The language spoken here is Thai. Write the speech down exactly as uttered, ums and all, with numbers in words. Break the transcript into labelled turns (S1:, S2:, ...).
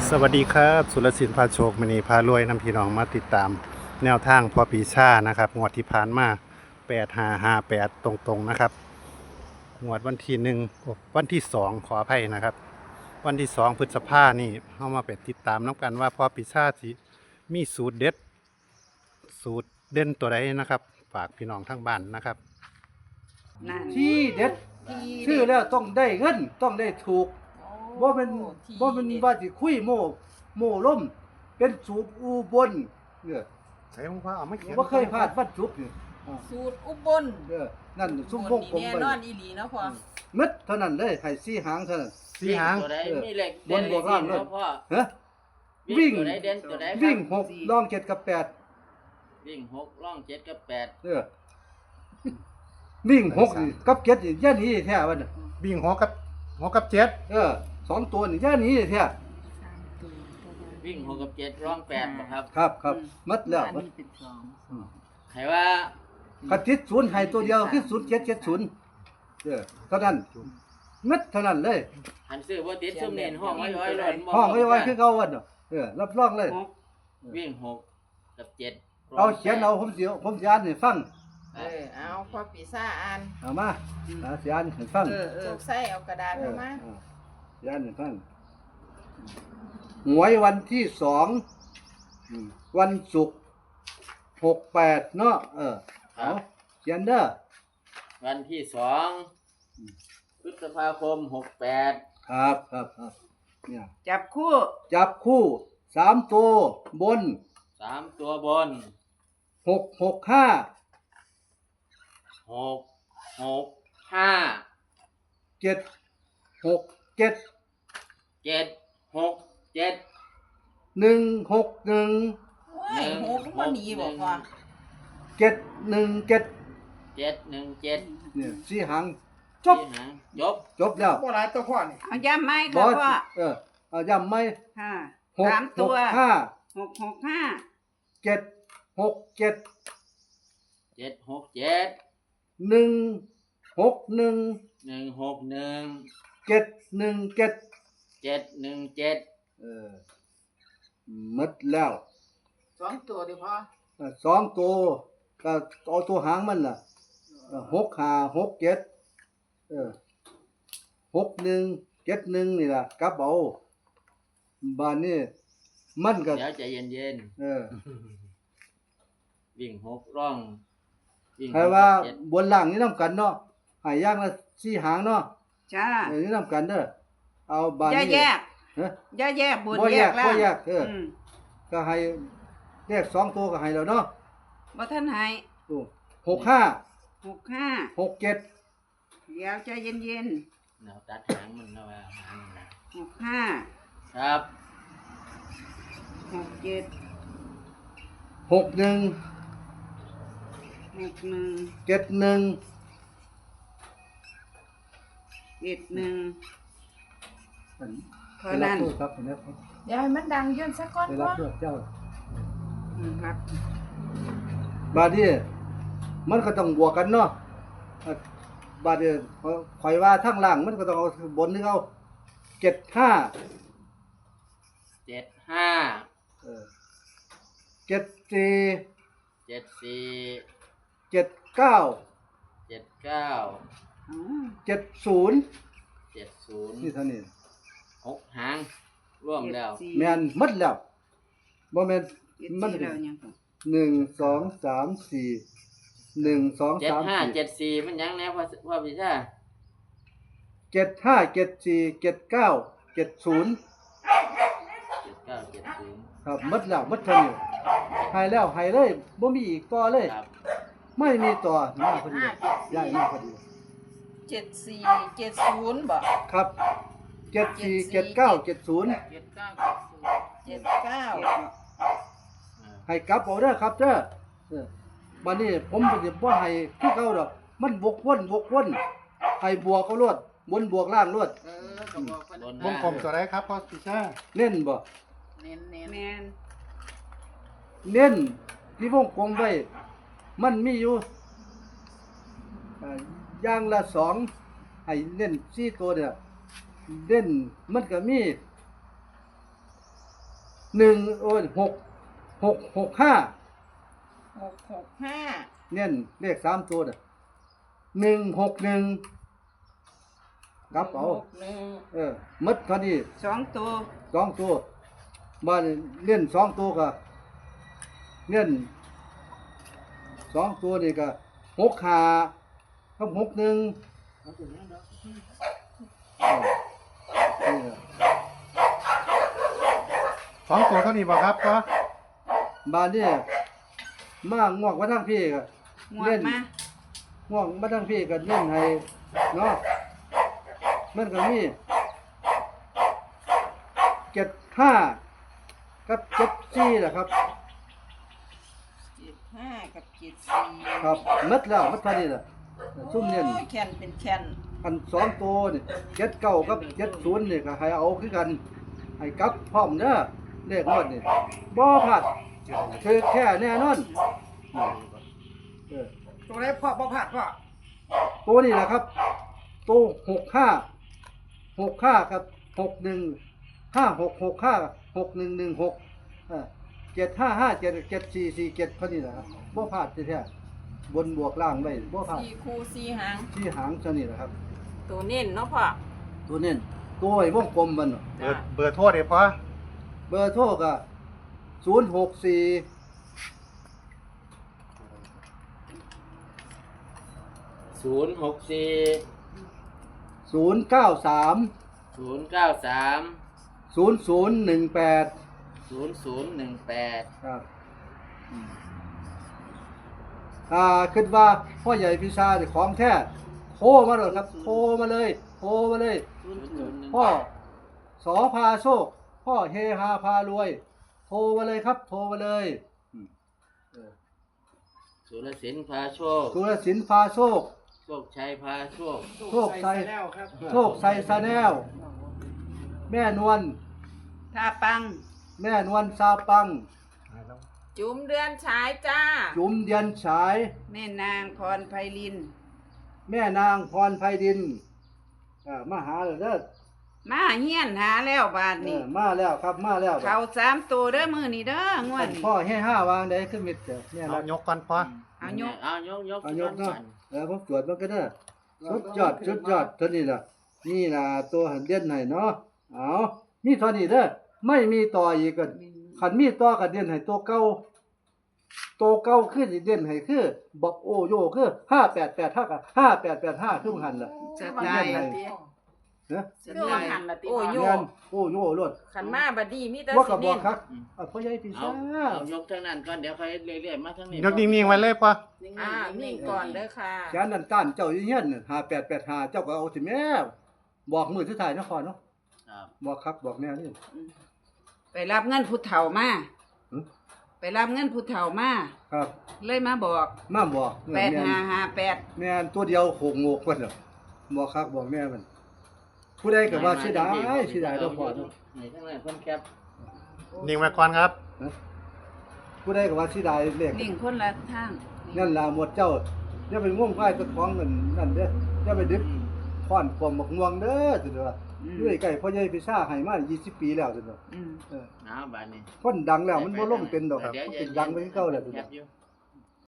S1: สวัสดีครับสุรศิลป์พาโชคมณีพารวยนำพี่น้องมาติดตามแนวทางพอปีชานะครับงวดที่ผ่านมาแปดห้าห้าแปดตรงๆนะครับงวดวันที่หนึ่งวันที่สองขออภัยนะครับวันที่สองพฤษภานี่เข้ามาไปติดตามน้ำกันว่าพอปีชาสิมีสูตรเด็ดสูตรเด่นตัวใดนะครับฝากพี่น้องทั้งบ้านนะครับ
S2: นั่น
S3: ที่เด็ด
S2: ที่
S3: ชื่อแล้วต้องได้เงินต้องได้ถูก
S2: โอ้
S3: บ่เป็น
S2: ที่
S3: บ่เป็นว่าสิคุยโม่โม่ล่มเป็นสูตรอุบลเนี่ย
S1: ใส่ของพ่อเอาไม่เขียน
S3: บ่เคยพลาดวันศุกร์นี่อ่า
S2: สูตรอุบล
S3: เออนั่นซุ่มวงกลม
S2: แน่
S3: ไป
S2: นอนอีหลีเนาะพ่อ
S3: มึดเท่านั้นเลยให้สี่หางเท่านั้น
S1: สีหาง
S4: ตัวใด
S3: เออ
S4: มีเหล็ก
S3: บนบวกล่างเลย
S4: เด่นพ่อ
S3: ฮะ วิ่
S4: วิ่
S3: ง
S4: งตัวใดเด่นตัวใดครับ
S3: วิ่งหกลองเจ็ดกับแปด
S4: วิ่งหกล่องเจ็ดกับแปด
S3: เออวิ่งหกนี่กับเจ็ดนี่ย่าหนี้แท้วันน่ะ
S1: บิ่งหัวกับหัวกับเจ็ด
S3: เออสองตัวนี่ย่าหนี้แท้
S4: วิ่งหกกับเจ็ดล่องแปดบ่ครับ
S3: ครับครับมัดแล้วมัด อืม
S4: ใครว่า
S3: คันติดศูนย์ให้ตัวเดียวคือศูนย์เจ็ดเจ็ดศูนย์เออเท่านั้นมัดเท่านั้นเลย
S4: หันซื้อบ่ติดซุ่มเน้นห้องไว้ไว้หล่นบ่
S3: ห้องไว้ไว้คือเก่าวันเนาะเออรับรองเลย
S4: วิ่งหกกับเจ็ด
S3: เอาเขียนเอาผมสิผมสิอ่านให้ฟัง
S2: เออเอาพ่อปีซ่าอ่าน
S3: เอามาอ่าสิอ่านให้ฟัง
S2: เออเออใส่เอากระดาษ
S3: เอ
S2: เข้า
S3: อ
S2: มา
S3: อ่าสิอ่านให้ฟังหวยวันที่สองอืมวันศุกร์หกแปดเนาะเออ
S4: ครั
S3: เอา
S4: บ
S3: เขียนเด้อ
S4: วันที่สองพฤษภาคมหกแปด
S3: ครับครับครับเนี่ย
S2: จับคู่
S3: จับคู่สามตัวบน
S4: สามตัวบน
S3: หกหกห้า
S4: หกหกห้า
S3: เจ็ดหกเจ็ด
S4: เจ็ดหกเจ็ด
S3: หนึ่งหกหนึ่ง
S2: โอ้ยหกมันหนีบอกพ่อ
S3: เจ็ดหนึ่งเจ็ด
S4: เจ็ดหนึ่งเจ็ด
S3: เนี่ยสี่หางจบ
S4: ที่หางจบ
S3: จบแล้ว
S5: บ่หลายตัวพ่อนี่
S2: เอาย้ำไหม
S3: บ
S2: ค่ะ
S3: อส
S2: พ่อ
S3: เออเอาย้ำไหม
S2: ค่ะ
S3: หก
S2: สาม
S3: ห
S2: ตั
S3: ก
S2: ว
S3: ห้า
S2: หกหกห้า
S3: เจ็ดหกเจ็ด
S4: เจ็ดหกเจ็ด
S3: หนึ่งหกหนึ่ง
S4: หนึ่งหกหนึ่ง
S3: เจ็ดหนึ่งเจ็ด
S4: เจ็ดหนึ่งเจ็ด
S3: เออหมดแล้ว
S5: สองตัวดิพ่อ
S3: เออสองตัวก็เอาตัวหางมันล่ะเออหกห้าหกเจ็ดเออหกหนึ่งเจ็ดหนึ่งนี่ล่ะกลับเอาบ้านนี้มันก็
S4: เดี๋ยวใจเย็นเย็น
S3: เออ
S4: ๆวิ่งหกร่องวิ่ง
S3: ใครว่า
S4: เจ็ด
S3: บนล่างนี่นํกันเนาะให้ย่างละสี่หางเนาะ
S2: จ้า
S3: เออนี่นํกันเด้อเอาบ้าน
S2: อย่า
S3: นี้
S2: แยก
S3: ฮะ
S2: อย่าแยกบน
S3: บ่
S2: แย
S3: แย
S2: ก
S3: ก
S2: ล่า
S3: บ่
S2: ง
S3: แยกเออ
S2: อืม
S3: ก็ให้เลขสองตัวก็ให้แล้วเนาะ
S2: บ่ท่านให้
S3: โอ้หกห้า
S2: หกห้า
S3: หกเจ็ด
S2: เดี๋ยวใจเย็น
S4: แนวตัดหางมันนะว่าหางมันนะ
S2: ๆหกห้า
S4: ครับ
S2: หกเจ็ด
S3: หกหนึ่ง
S2: หกหนึ่ง
S3: เจ็ดหนึ่ง
S2: เจ็ดหนึ่ง
S3: อัน
S2: เท่านั้น
S3: ไปรับโทษครับนะครับ
S2: เดี๋ยวให้มันดังยื่นสักก้อน
S3: ไป
S2: พ่
S3: รั
S2: อบ
S3: โทษเจ้า
S2: อืมครับ
S3: บาดนี้มันก็ต้องบวกกันเนาะอ่ะบาดนี้ข่อยว่าทั้งล่างมันก็ต้องเอาบนนึงเอาเจ็ดห้า
S4: เจ็ดห้า
S3: เออเจ็ดสี่
S4: เจ็ดสี่
S3: เจ็ดเก้า
S4: เจ็ดเก้า
S2: อ๋อ
S3: เจ็ดศูนย์
S4: เจ็ดศูนย์
S3: นี่เท่านี้
S4: หกหางร่วมแล้ว
S2: เจ็ดสี่
S3: แม่นหมดแล้วบ่แม่น
S2: เจ็ด
S3: มัน
S2: สี่แล้วยังก่อน
S3: หนึ่งสองสามสี่หนึ่งสอง
S4: เจ็ด
S3: สาม
S4: ห้า
S3: สี่
S4: เจ็ดสี่มันยังแน่พ่อพ่อพี่ชา
S3: เจ็ดห้าเจ็ดสี่เจ็ดเก้าเจ็ดศูนย์
S4: เจ็ดเก้าเจ็ดศูนย์
S3: ครับหมดแล้วหมดเท่านี้ให้แล้วให้เลยบ่มีอีกต่อเลย
S4: ครับ
S3: ไม่มีต่อมาพอดีย้ายมาพอดี
S2: เจ็ดสี่เจ็ดศูนย์บ่
S3: ครับเจ็ดสี่เจ็ดเก้าเจ็ดศูนย์
S4: เจ็ดเก้า
S2: เจ็ดเก้า
S3: ให้กลับเอาเด้อครับเด้อเออบัดนี้ผมก็สิบ่ให้คือเก่าดอกมันวกวนวกวนให้บวกเอาโลดบนบวกล่างโลด
S5: เออก็บอกเพิ่น
S4: บน
S1: วงกลมตัวใดครับพ่อปีชา
S3: เน้นบ่
S5: เน้น
S2: แมน
S3: เน้นที่วงกลมไว้มันมีอยู่เอ่ออย่างละสองให้เน้นสี่ตัวเด้อเน้นมันก็มีหนึ่งโอ้ยหกหกหกห้า
S2: หกหกห้า
S3: เน้นเลขสามตัวน่ะหนึ่งหกหนึ่งกลับเอา
S2: หกหนึ่ง
S3: เออมัดเท่านี้
S2: สองตัว
S3: สองตัวบ้านเล่นสองตัวก็เล่นสองตัวนี่ก็หกห้ากับหกหนึ่งเออนี่ล่ะ
S1: สองตัวเท่านี้บ่ครับพ่อ
S3: บ้านนี่มางวกมาทางพี่ก็
S2: งว
S3: เล่
S2: ด
S3: น
S2: มา
S3: ง่วงมาทางพี่ก็เล่นให้เนาะมันก็มีเจ็ดห้ากับเจ็ดสี่แหละครับ
S2: เจ็ดห้ากับเจ็ดสี่
S3: ครับมัดแล้วมัดเท่านี้แหละซุ่มเน้น
S2: โอ้ยแคนเป็นแคน
S3: อันสองตัวนี่เจ็ดเก้ากับเจ็ดศูนย์นี่ก็ให้เอาคือกันให้กลับพร้อมเด้อเลขงวดนี่บ่พลาดคือแค่แน่นอนเออ
S5: ตัวไหนพ่อบ่พลาดพ่อ
S3: ตัวนี้แหละครับตัวหกห้าหกห้ากับหกหนึ่งห้าหกหกห้าหกหนึ่งหนึ่งหกเจ็ดห้าห้าเจ็ดเจ็ดสี่สี่เจ็ดเท่านี้แหละครับบ่พลาดแท้ๆบนบวกล่างไว้บ่พลาด
S2: สี่คู่สี่หาง
S3: ที่หางเท่านี้แหละครับ
S2: ตัวเน้นเนาะพ่อ
S3: ตัวเน้นตัวไอ้วงกลมมันน่ะ
S1: เบอร์เบอร์โทรเด้พ่อ
S3: เบอร์โทรก็ศูนย์หกสี่
S4: ศูนย์หกสี่
S3: ศูนย์เก้าสาม
S4: ศูนย์เก้าสาม
S3: ศูนย์ศูนย์หนึ่งแปด
S4: ศูนย์ศูนย์หนึ่งแปด
S3: ครับอืมอ่าคิดว่าพ่อใหญ่พิชาเนี่ยของแท้โทรมาเลยครับโทรมาเลยโทรมาเลย
S4: ศูนย์ศูนย์หนึ่ง
S3: พ่อสอพาโชคพ่อเฮฮาพารวย โทรมาเลยครับ โทรมาเลยอืมเออ
S4: สุรศิลป์พาโชค
S3: สุรศิลป์พาโชค
S4: โชคชัยพาโชค
S3: โชคชัย
S5: แล้วครับ
S3: โชคชัยซาแนลแม่นวล
S2: ท่าปัง
S3: แม่นวลซาปัง
S2: จุ๋มเดือนฉายจ้า
S3: จุ๋มเดียนฉาย
S2: แม่นางพรไพลิน
S3: แม่นางพรไพดินอ่ามาหาเลยเด้อ
S2: มาเฮียนหาแล้วบาท
S3: เอ
S2: นี้
S3: อมาแล้วครับมาแล้ว
S2: เขาสามตัวเด้อมือนี่เด้องวดนี้
S3: พ่อให้ห้าวางได้ขึ้นมิดเด้อเนี่ย
S1: เอา
S3: นะ
S1: ยกก่อนพ่อ
S2: เอายก
S4: เอายกยก
S3: เอายก
S4: ก่อ
S3: เนาะ
S4: น
S3: เออผมตรวจมันก็ได้อสุดยอดสุดยอดเท่านี้ล่ะนี่ล่ะตัวหันเด่นให้เนาะเอามีเท่านี้เด้อไม่มีต่ออีกก็คันมีต่อก็เด่นให้ตัวเก่าตัวเก่าขึ้นอีกเด่นให้คือบอกโอโยคือห้าแปดแปดห้ากับห้าแปดแปดห้าคือมันหันล่ะ
S2: จะได้
S3: เนะ
S2: จะได้โอ้โย
S3: เงินโอโยรถ
S2: ขันมาบัดนี้มีแต่
S3: ว่า
S2: สิ
S3: กับบอก
S2: เน้น
S3: ครับอ่ะพ่อใหญ่ปี
S4: เอา
S3: ซ่า
S4: เอายกทางนั้นก่อนเดี๋ยวค่อยเรื่อยๆมาทางนี้
S1: ยกนิ่งๆไว้เลยพ่อ
S2: อ่านิ่งก่อนเด้อค่ะ
S3: แขนนั่นต้านเจ้าอยู่เฮียนห้าแปดแปดห้าเจ้าก็เอาสิแม่บอกมือสุดท้ายนครเนาะ
S4: ครับ
S3: บอกครับบอกแม่นี่
S2: ไปรับเงินผู้เฒ่ามา
S3: หึ
S2: ไปรับเงินผู้เฒ่ามา
S3: ครับ
S2: เลยมาบอก
S3: มาบอก
S2: แปด
S3: แม่
S2: ห้าห้าแปด
S3: แม่นตัวเดียวโขงโงกเพิ่นน่ะบอกครับบอกแม่มันผู้ใดก็ว่าเสียดายเสียดายเด้อพ่อเนาะ
S4: ไหนทางนั้นเพิ่นแคป
S1: นิ่งไว้ก่อนครับ
S3: ผู้ใดก็ว่าเสียดายเลข
S2: นิ่งคนละทาง
S3: นั่นล่ะหมดเจ้าอย่าไปง่วงควายตะของนั่นนั่นเด้ออย่าไปดึกค้อนความบักม่วงเด้อจังว่า
S2: อืม
S3: ด้วยไก่พ่อใหญ่พิซ่าให้มายี่สิบปีแล้วจังว่า
S2: อืม
S3: เออ
S4: เอาบาดนี้
S3: คนดังแล้วมันบ่ลงเป็นดอก
S4: ดี๋ยว
S3: มันเป็นดังไปคือเก่าแล้วจัง
S4: แค
S3: ว่า
S4: ปอยู่